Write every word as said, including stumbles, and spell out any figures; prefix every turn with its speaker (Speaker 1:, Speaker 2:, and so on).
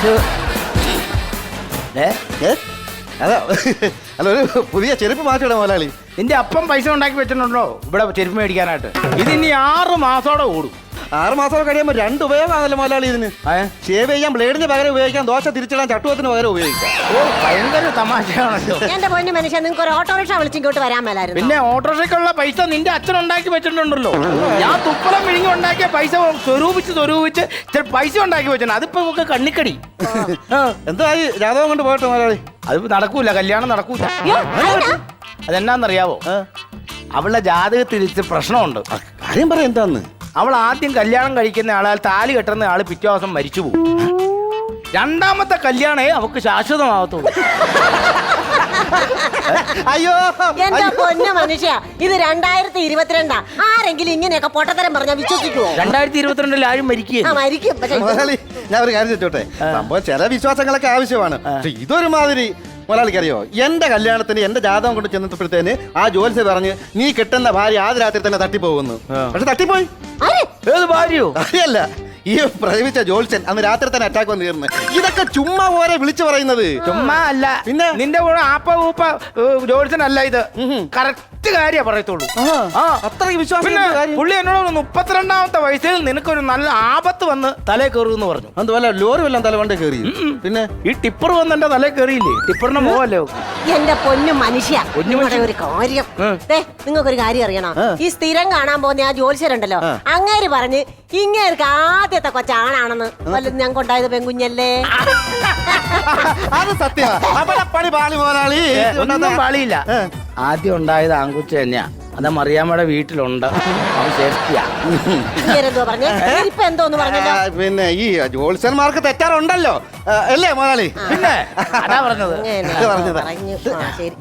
Speaker 1: അതാ അല്ല, ഒരു പുതിയ ചെരുപ്പ് മാറ്റിയിടാം മുതലാളി.
Speaker 2: നിന്റെ അപ്പം പൈസ ഉണ്ടാക്കി വെച്ചിട്ടുണ്ടോ ഇവിടെ ചെരുപ്പ് മേടിക്കാനായിട്ട്? ഇത് ഇനി ആറ് മാസത്തോടെ ഓടും.
Speaker 1: ആറ് മാസം കഴിയുമ്പോൾ രണ്ട് ഉപയോഗമാണല്ലോ മുതലാളി ഇതിന്. ഷേവ് ചെയ്യാൻ ബ്ലേഡിന് പകരം ഉപയോഗിക്കാം, ദോശ തിരിച്ചിടാൻ ചട്ടുവത്തിന് പകരം ഉപയോഗിക്കാം.
Speaker 2: ഓ, ഭയങ്കര തമാശയാണല്ലോ.
Speaker 3: എന്റെ പൊന്നു മനുഷ്യൻ, നിങ്ങൾക്ക് ഒരു ഓട്ടോറിക്ഷ വിളിച്ചിങ്ങോട്ട് വരാൻ മേലായിരുന്നു.
Speaker 2: പിന്നെ ഓട്ടോറിക്ഷയ്ക്കുള്ള പൈസ നിന്റെ അച്ഛൻ ഉണ്ടാക്കി വെച്ചിട്ടുണ്ടല്ലോ. ഞാൻ തുപ്പളം വിഴുങ്ങി ഉണ്ടാക്കിയ പൈസ സ്വരൂപിച്ച് സ്വരൂപിച്ച് ചില പൈസ ഉണ്ടാക്കി വെച്ചിട്ടുണ്ട്. അതിപ്പോ നമുക്ക് കണ്ണിക്കടി.
Speaker 1: എന്തായി ജാതകം കൊണ്ട് പോയിട്ട് മുതലാളി?
Speaker 2: അത് നടക്കൂല, കല്യാണം നടക്കൂല.
Speaker 3: അയ്യോ, അതെന്നാ?
Speaker 2: അതെന്നാന്നറിയാവോ? അവളുടെ ജാതകത്തിൽ ഇച്ചിരി പ്രശ്നമുണ്ട്.
Speaker 1: കാര്യം പറയാം എന്താന്ന്.
Speaker 2: അവൾ ആദ്യം കല്യാണം കഴിക്കുന്ന ആളാൽ താലി കെട്ടുന്ന ആള് പിറ്റേ ദിവസം മരിച്ചു പോകും. രണ്ടാമത്തെ കല്യാണേ അവക്ക് ശാശ്വതമാകത്തുള്ളൂ.
Speaker 1: അയ്യോ
Speaker 3: എന്റെ പൊന്നു മനുഷ്യ, ഇത് രണ്ടായിരത്തി ഇരുപത്തിരണ്ടാ. ആരെങ്കിലും ഇങ്ങനെയൊക്കെ പൊട്ടത്തരം പറഞ്ഞാൽ വിശ്വസിക്കുവോ?
Speaker 2: രണ്ടായിരത്തി ഇരുപത്തിരണ്ടിൽ ആരും മരിക്കുക.
Speaker 3: മരിക്കും. പക്ഷേ
Speaker 1: മുതലാളി, ഞാൻ ഒരു കാര്യം ചോട്ടെ. സംഭവം ചില വിശ്വാസങ്ങളൊക്കെ ആവശ്യമാണ്. പക്ഷെ ഇതൊരു മാതിരി. മുതലാളിക്ക് അറിയോ, എന്റെ കല്യാണത്തിന് എന്റെ ജാതകം കൊണ്ട് ചെന്നപ്പോഴത്തേന് ആ ജോലിസ് പറഞ്ഞ് നീ കിട്ടുന്ന ഭാര്യ ആദ്യ രാത്രി തന്നെ തട്ടിപ്പോകുന്നു. പക്ഷെ തട്ടിപ്പോയി.
Speaker 2: ഏത് ഭാര്യയോ?
Speaker 1: അറിയല്ല, ഈ പ്രേമിച്ച ജോത്സ്യൻ അന്ന് രാത്രി തന്നെ അറ്റാക്ക് വന്ന് തീർന്ന്. ഇതൊക്കെ ചുമ്മാ പോരെ വിളിച്ചു പറയുന്നത്.
Speaker 2: ചുമ്മാ അല്ല,
Speaker 1: പിന്നെ
Speaker 2: നിന്റെ കൂടെ ആപ്പ ഊപ്പ ജോലിസനല്ല ഇത്. കറക്റ്റ് കാര്യ പറയത്തുള്ളൂ.
Speaker 1: അത്രയ്ക്ക് വിശ്വാസം.
Speaker 2: പുള്ളി എന്നോട് മുപ്പത്തിരണ്ടാമത്തെ വയസ്സിൽ നിനക്കൊരു നല്ല ആപത്ത് വന്ന് തലേ കയറുമെന്ന് പറഞ്ഞു.
Speaker 1: അതുപോലെ ലോറി വല്ലതും തല കൊണ്ട് കയറി. പിന്നെ
Speaker 2: ഈ ടിപ്പർ വന്ന് എന്റെ തലേ കയറിയില്ലേ? ടിപ്പറിന്റെ മോഹല്ലോ.
Speaker 3: എന്റെ പൊന്നു മനുഷ്യ, നിങ്ങളുടെ ഒരു കാര്യം, നിങ്ങൾക്കൊരു കാര്യം അറിയണം. ഈ സ്ഥിരം കാണാൻ പോകുന്ന ആ ജോലിസരുണ്ടല്ലോ, അങ്ങേര് പറഞ്ഞ് ഇങ്ങേർക്ക് ആദ്യത്തെ കൊച്ചാണാണെന്ന്. വല്ലതും ഞാൻ കൊണ്ടായത് പെൺകുഞ്ഞല്ലേ?
Speaker 1: അത് സത്യമാണ്. പണി പാളി മുതലാളി.
Speaker 2: ഒന്നും പാളിയില്ല. ആദ്യം ഉണ്ടായത് ആൺകുച്ച തന്നെയാ. അത് മറിയാമ്മയുടെ വീട്ടിലുണ്ട്. അവൻ സേഫ്റ്റിയാ.
Speaker 3: പറഞ്ഞ ഇപ്പൊ എന്തോന്ന് പറഞ്ഞല്ലോ.
Speaker 1: പിന്നെ ഈ ജോത്സ്യന്മാർക്ക് തെറ്റാറുണ്ടല്ലോ അല്ലേ മുതലാളി?
Speaker 2: പിന്നെ അതാ പറഞ്ഞത്.
Speaker 3: പറഞ്ഞു. ശരി.